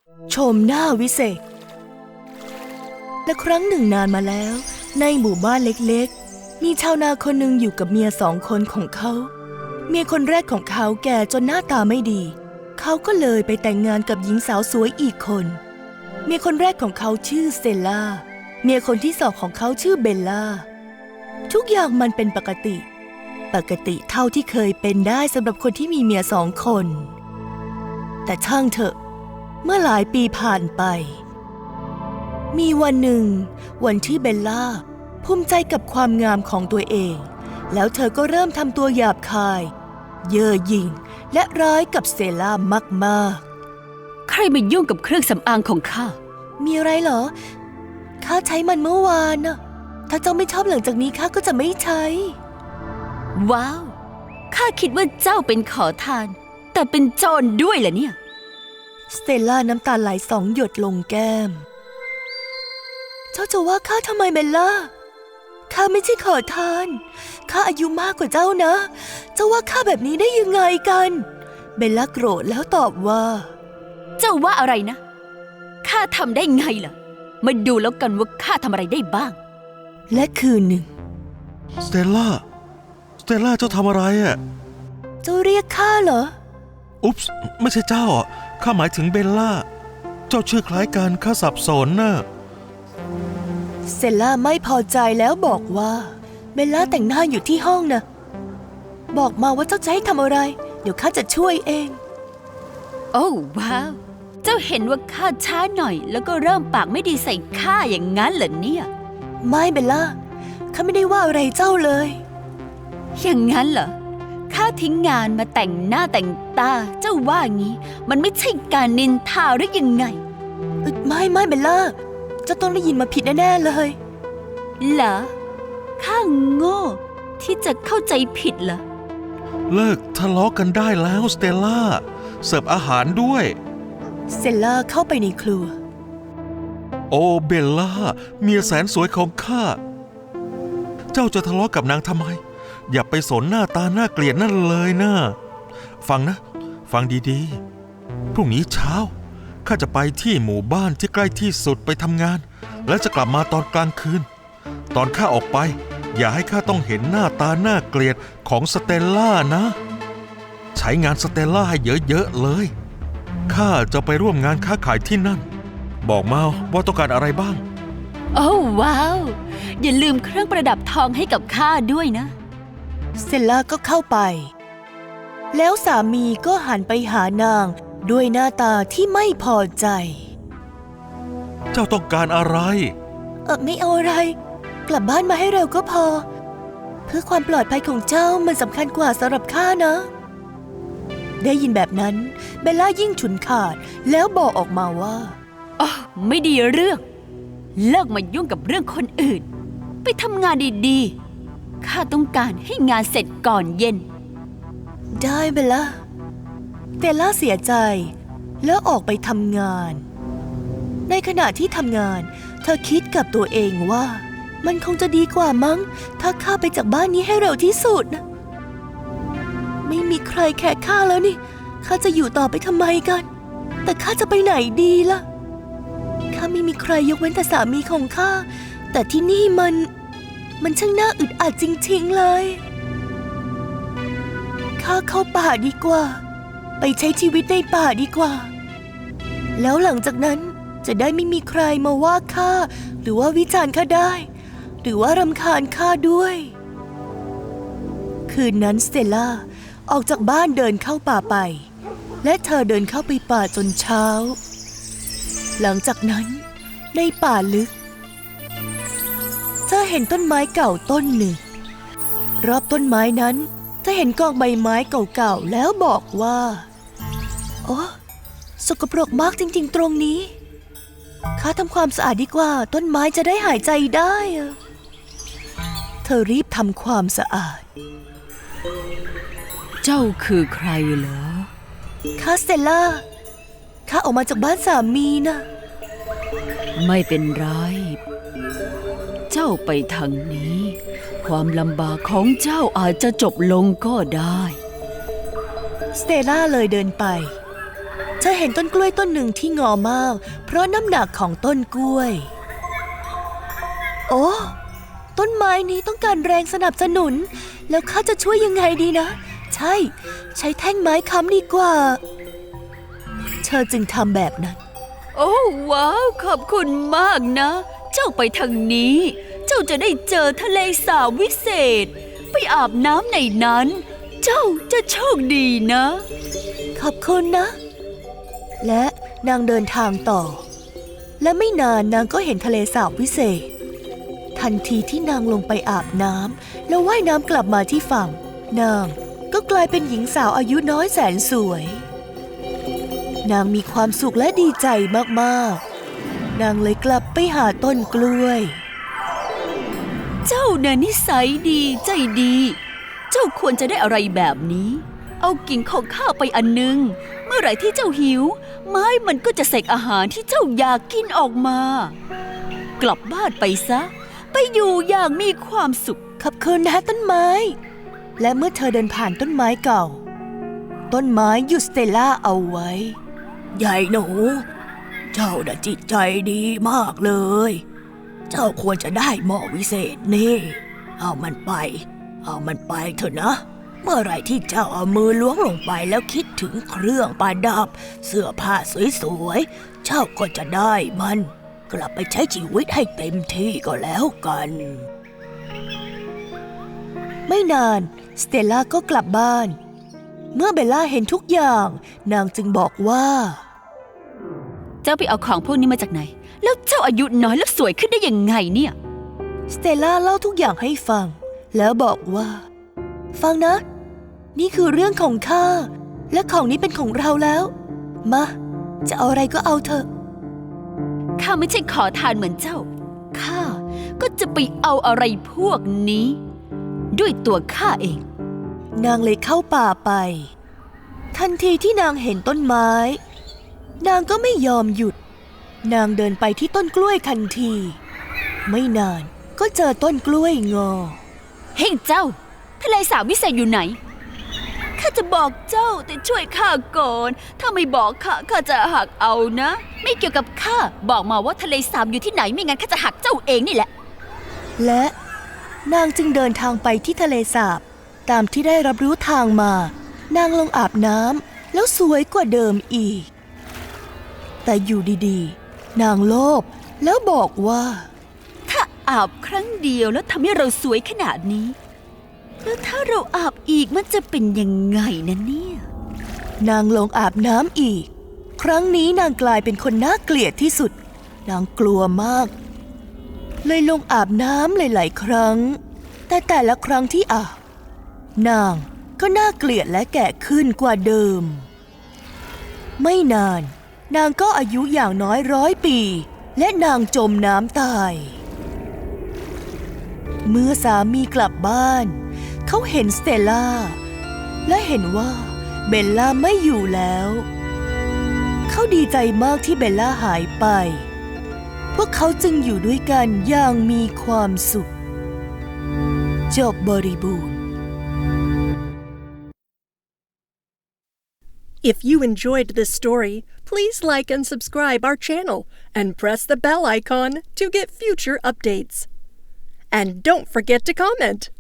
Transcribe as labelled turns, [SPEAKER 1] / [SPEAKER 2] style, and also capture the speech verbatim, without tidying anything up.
[SPEAKER 1] ชมหน้าวิเศษและครั้งหนึ่งนานมาแล้วในหมู่บ้านเล็กๆมีชาวนาคนหนึ่งอยู่กับเมียสองคนของเขาเมียคนแรกของเขาแก่จนหน้าตาไม่ดีเขาก็เลยไปแต่งงานกับหญิงสาวสวยอีกคนเมียคนแรกของเขาชื่อสเตลล่าเมียคนที่สองของเขาชื่อเบลล่าทุกอย่างมันเป็นปกติปกติเท่าที่เคยเป็นได้สำหรับคนที่มีเมียสองคนแต่ช่างเถอะเมื่อหลายปีผ่านไปมีวันหนึ่งวันที่เบลล่าภูมิใจกับความงามของตัวเองแล้วเธอก็เริ่มทำตัวหยาบคายเย่อหยิ่งและร้ายกับสเตลล่ามาก
[SPEAKER 2] ๆใครมายุ่งกับเครื่องสำอางของข้า
[SPEAKER 1] มีอะไรเหรอข้าใช้มันเมื่อวานน่ะถ้าเจ้าไม่ชอบหลังจากนี้ข้าก็จะไม่ใช้
[SPEAKER 2] ว้าวข้าคิดว่าเจ้าเป็นขอทานแต่เป็นโจรด้วยเหรอเนี่ย
[SPEAKER 1] สเตลล่าน้ำตาไหลสองหยดลงแก้มเจ้าจะว่าข้าทำไมเบลล่าข้าไม่ใช่ขอทานข้าอายุมากกว่าเจ้านะเจ้าว่าข้าแบบนี้ได้ยังไงกันเบลล่าโกรธแล้วตอบว่า
[SPEAKER 2] เจ้าว่าอะไรนะข้าทำได้ไงล่ะมาดูแล้วกันว่าข้าทำอะไรได้บ้าง
[SPEAKER 1] และคืนหนึ่ง
[SPEAKER 3] สเตลล่าสเตลล่าเจ้าทำอะไรอ่ะ
[SPEAKER 1] เจ้าเรียกข้าเหรอ
[SPEAKER 3] อุ๊ปส์ไม่ใช่เจ้าอ่ะข้าหมายถึงเบลล่าเจ้าชื่อคล้ายกันข้าสับสนน่ะ
[SPEAKER 1] สเตลล่าไม่พอใจแล้วบอกว่าเบลล่าแต่งหน้าอยู่ที่ห้องนะบอกมาว่าเจ้าจะให้ทำอะไรเดี๋ยวข้าจะช่วยเอง
[SPEAKER 2] โอ้ว้าวเจ้าเห็นว่าข้าช้าหน่อยแล้วก็เริ่มปากไม่ดีใส่ข้าอย่างนั้นเหรอเนี่ย
[SPEAKER 1] ไม่เบลล่าข้าไม่ได้ว่าอะไรเจ้าเลย
[SPEAKER 2] อย่างนั้นเหรอข้าทิ้งงานมาแต่งหน้าแต่งตาเจ้าว่างี้มันไม่ใช่การนินทาหรือยังไง
[SPEAKER 1] ไม่ไม่เบลล่าเจ้าต้องได้ยินมาผิดแน่ๆเลย
[SPEAKER 2] เหรอข้าโง่ที่จะเข้าใจผิดเหรอ
[SPEAKER 3] เลิกทะเลาะกันได้แล้วสเตลล่าเสิร์ฟอาหารด้วย
[SPEAKER 1] สเตลล่าเข้าไปในครัว
[SPEAKER 3] โอ้เบลล่าเมียแสนสวยของข้าเจ้าจะทะเลาะกับนางทำไมอย่าไปสนหน้าตาน่าเกลียดนั่นเลยนะฟังนะฟังดีๆพรุ่งนี้เช้าข้าจะไปที่หมู่บ้านที่ใกล้ที่สุดไปทำงานและจะกลับมาตอนกลางคืนตอนข้าออกไปอย่าให้ข้าต้องเห็นหน้าตาน่าเกลียดของสเตลล่านะใช้งานสเตลล่าให้เยอะๆเลยข้าจะไปร่วมงานค้าขายที่นั่นบอกมาว่าต้องการอะไรบ้าง
[SPEAKER 2] โอ้ว้าวอย่าลืมเครื่องประดับทองให้กับข้าด้วยนะ
[SPEAKER 1] สเตลล่าก็เข้าไปแล้วสามีก็หันไปหานางด้วยหน้าตาที่ไม่พอใจ
[SPEAKER 3] เจ้าต้องการอะไร
[SPEAKER 1] เออไม่เอาอะไรกลับบ้านมาให้เร็วก็พอเพื่อความปลอดภัยของเจ้ามันสำคัญกว่าสำหรับข้านะได้ยินแบบนั้นเบลล่ายิ่งฉุนขาดแล้วบอกออกมาว่า
[SPEAKER 2] อ๋อไม่ดีเรื่องเลิกมายุ่งกับเรื่องคนอื่นไปทำงานดีๆข้าต้องการให้งานเสร็จก่อนเย็น
[SPEAKER 1] ได้เบลล่าเบลล่าเสียใจแล้วออกไปทำงานในขณะที่ทำงานเธอคิดกับตัวเองว่ามันคงจะดีกว่ามั้งถ้าข้าไปจากบ้านนี้ให้เร็วที่สุดนะไม่มีใครแคร์ข้าแล้วนี่ข้าจะอยู่ต่อไปทำไมกันแต่ข้าจะไปไหนดีล่ะข้าไม่มีใครยกเว้นแต่สามีของข้าแต่ที่นี่มันมันช่างน่าอึดอัดจริงๆเลยข้าเข้าป่าดีกว่าไปใช้ชีวิตในป่าดีกว่าแล้วหลังจากนั้นจะได้ไม่มีใครมาว่าข้าหรือว่าวิจารณ์ข้าได้หรือว่ารำคาญข้าด้วยคืนนั้นสเตลล่าออกจากบ้านเดินเข้าป่าไปและเธอเดินเข้าไปป่าจนเช้าหลังจากนั้นในป่าลึกเธอเห็นต้นไม้เก่าต้นหนึ่งรอบต้นไม้นั้นเธอเห็นกองใบไม้เก่าๆแล้วบอกว่าโอ้สกปรกมากจริงๆตรงนี้ข้าทำความสะอาดดีกว่าต้นไม้จะได้หายใจได้เธอรีบทำความสะอาด
[SPEAKER 2] เจ้าคือใครเหรอ
[SPEAKER 1] ข้าสเตลล่าข้าออกมาจากบ้านสามีนะ
[SPEAKER 2] ไม่เป็นไรเจ้าไปทางนี้ความลำบากของเจ้าอาจจะจบลงก็ได้
[SPEAKER 1] สเตลล่าเลยเดินไปเธอเห็นต้นกล้วยต้นหนึ่งที่งอมากเพราะน้ำหนักของต้นกล้วยโอ้ต้นไม้นี้ต้องการแรงสนับสนุนแล้วข้าจะช่วยยังไงดีนะใช่ใช้แท่งไม้ค้ำดีกว่าเธอจึงทำแบบนั้น
[SPEAKER 2] โอ้ว้าวขอบคุณมากนะ เจ้าไปทางนี้เจ้าจะได้เจอทะเลสาบวิเศษไปอาบน้ำในนั้นเจ้าจะโชคดีนะ
[SPEAKER 1] ขอบคุณนะและนางเดินทางต่อและไม่นานนางก็เห็นทะเลสาบวิเศษทันทีที่นางลงไปอาบน้ำแล้วว่ายน้ำกลับมาที่ฝั่งนางก็กลายเป็นหญิงสาวอายุน้อยแสนสวยนางมีความสุขและดีใจมากๆนางเลยกลับไปหาต้นกล้วย
[SPEAKER 2] เจ้าน่ะนิสัยดีใจดีเจ้าควรจะได้อะไรแบบนี้เอากิ่งของข้าไปอันนึงเมื่อไหร่ที่เจ้าหิวไม้มันก็จะเสกอาหารที่เจ้าอยากกินออกมากลับบ้านไปซะไปอยู่อย่างมีความสุข
[SPEAKER 1] ขอบคุณนะต้นไม้และเมื่อเธอเดินผ่านต้นไม้เก่าต้นไม้หยุดสเตลล่าเอาไว้ใหญ่หนูเจ้าน่ะจิตใจดีมากเลยเจ้าควรจะได้หม้อวิเศษนี่เอามันไปเอามันไปเถอะนะเมื่อไรที่เจ้าเอามือล้วงลงไปแล้วคิดถึงเครื่องประดับเสื้อผ้าสวยๆเจ้าก็จะได้มันกลับไปใช้ชีวิตให้เต็มที่ก็แล้วกันไม่นานสเตลล่าก็กลับบ้านเมื่อเบลล่าเห็นทุกอย่างนางจึงบอกว่า
[SPEAKER 2] เจ้าไปเอาของพวกนี้มาจากไหนแล้วเจ้าอายุน้อยแล้วสวยขึ้นได้ยังไงเนี่ย
[SPEAKER 1] สเตลล่าเล่าทุกอย่างให้ฟังแล้วบอกว่าฟังนะนี่คือเรื่องของข้าและของนี้เป็นของเราแล้วมาจะเอาอะไรก็เอาเถอะ
[SPEAKER 2] ข้าไม่ใช่ขอทานเหมือนเจ้าข้าก็จะไปเอาอะไรพวกนี้ด้วยตัวข้าเอง
[SPEAKER 1] นางเลยเข้าป่าไปทันทีที่นางเห็นต้นไม้นางก็ไม่ยอมหยุดนางเดินไปที่ต้นกล้วยทันทีไม่นานก็เจอต้นกล้วยงอ
[SPEAKER 2] เฮ้ยเจ้าทะเลสาบวิเศษอยู่ไหนข้าจะบอกเจ้าแต่ช่วยข้าก่อนถ้าไม่บอกข้าข้าจะหักเอานะไม่เกี่ยวกับข้าบอกมาว่าทะเลสาบอยู่ที่ไหนไม่งั้นข้าจะหักเจ้าเองนี่แหละ
[SPEAKER 1] และนางจึงเดินทางไปที่ทะเลสาบตามที่ได้รับรู้ทางมานางลงอาบน้ำแล้วสวยกว่าเดิมอีกแต่อยู่ดีๆนางโลภแล้วบอกว่า
[SPEAKER 2] ถ้าอาบครั้งเดียวแล้วทำให้เราสวยขนาดนี้แล้วถ้าเราอาบอีกมันจะเป็นยังไงนะเนี่ย
[SPEAKER 1] นางลงอาบน้ำอีกครั้งนี้นางกลายเป็นคนน่าเกลียดที่สุดนางกลัวมากเลยลงอาบน้ำหลายๆครั้งแต่แต่ละครั้งที่อาบนางก็น่าเกลียดและแก่ขึ้นกว่าเดิมไม่นานนางก็อายุอย่างน้อยร้อยปีและนางจมน้ำตายเมื่อสามีกลับบ้านเขาเห็นสเตลล่าและเห็นว่าเบลล่าไม่อยู่แล้วเขาดีใจมากที่เบลล่าหายไปพวกเขาจึงอยู่ด้วยกันอย่างมีความสุขจบบริบูรณ์
[SPEAKER 4] If you enjoyed this story, please like and subscribe our channel and press the bell icon to get future updates. And don't forget to comment.